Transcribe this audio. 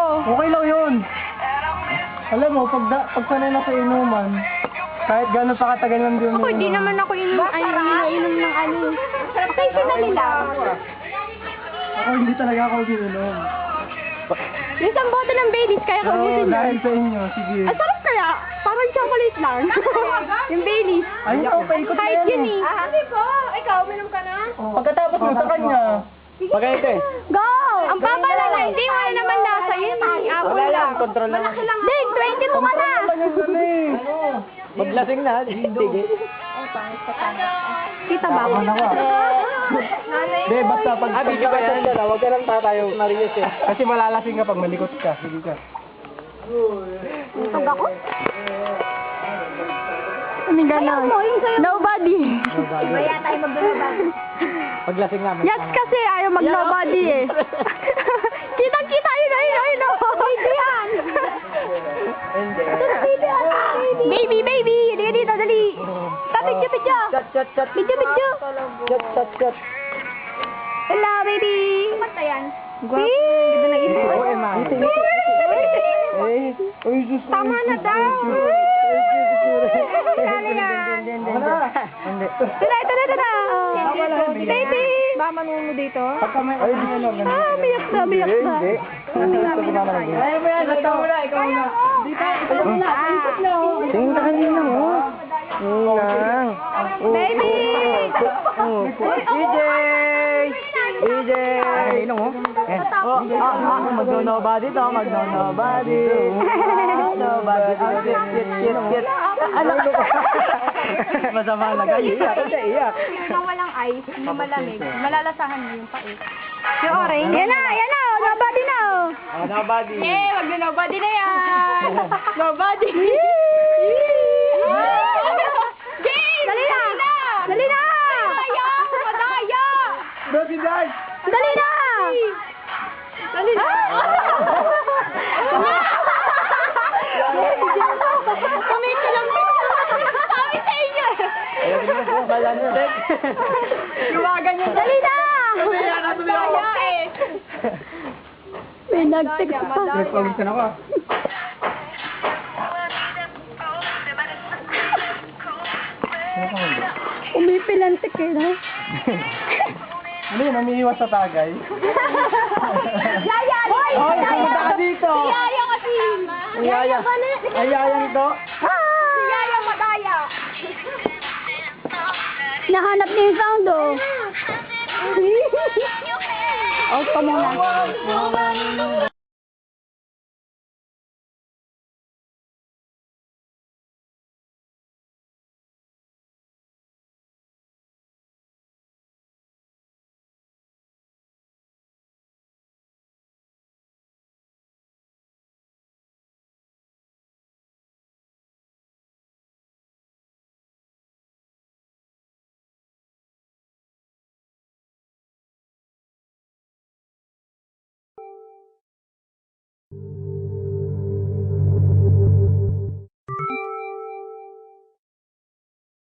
Okay lang yun. Alam mo, pag sanay na sa inuman, kahit gano'n pa katagal lang din. Ako, di naman ako inom ng ano. Okay, sinali lang. Ako hindi talaga ako inom. Isang bote ng Baileys, kaya ko Pero ubusin dahil yun. sa inyo, sige. Ang sarap kaya, parang chocolate lang. Yung Baileys. Ay, ikaw, paikot na Kahit yan yun eh. Hindi po. Ikaw, uminom ka na? Pagkatapos mo sa kanya. Pagkaito eh. Go! Ang papa lang na, hindi wala naman lasa yun eh. Apple lang. control lang. Ding, 22 ka na! Maglasing na, sige. Kita ba ako? Hindi, basta pag pagkakasal ka na, huwag ka lang tatayo, Marius eh. Kasi malalasing ka pag malikot ka. Sige ka. Pag ako? Ano gano'n? Nobody. Iba yata yung magbabag. Paglasing namin. Yes, kasi ayaw mag-nobody eh. Kitang-kita, yun. Baby yan! Baby! Hindi dito, dali! Picture! Chat. Picture! Chat. Hello, baby! Kumanta yan. Ganda ng isip. Oo, Emma. Uy, sus. Tama na daw! Ano yan? Tara! Baby! Mama mo dito? Pagka may ano, Biyak na. Hindi. Ayaw mo yan, ikaw muna. Tingin ka kanina mo. Baby! EJ! Ano mo? Mag-nobody to, mag-nobody. Nobody. Shit. Ano ka? Masama na kayo. Iyak. Yung walang ice, yung malamig, malalasahan mo yung pait. Yung orange. Yan na! Nobody na! Nobody. Wag na nobody na yan! Nobody! Jane! Dali na! Madaya! Baby guys! Dali na! Kumikilang sabi sa inyo eh! Luwagan yun. Dali na! Madaya eh! May nag-text pa. Nagpawisan ako. Umipilantik eh, no? Ano yun, umiiwas sa tagay? Yaya! Hoy! Hoy, pumunta ka dito! Si Yaya kasi! Yaya! Ay, yaya ito? Si Yaya Madaya! Nahanap niya yung sound, oh. Out pa muna.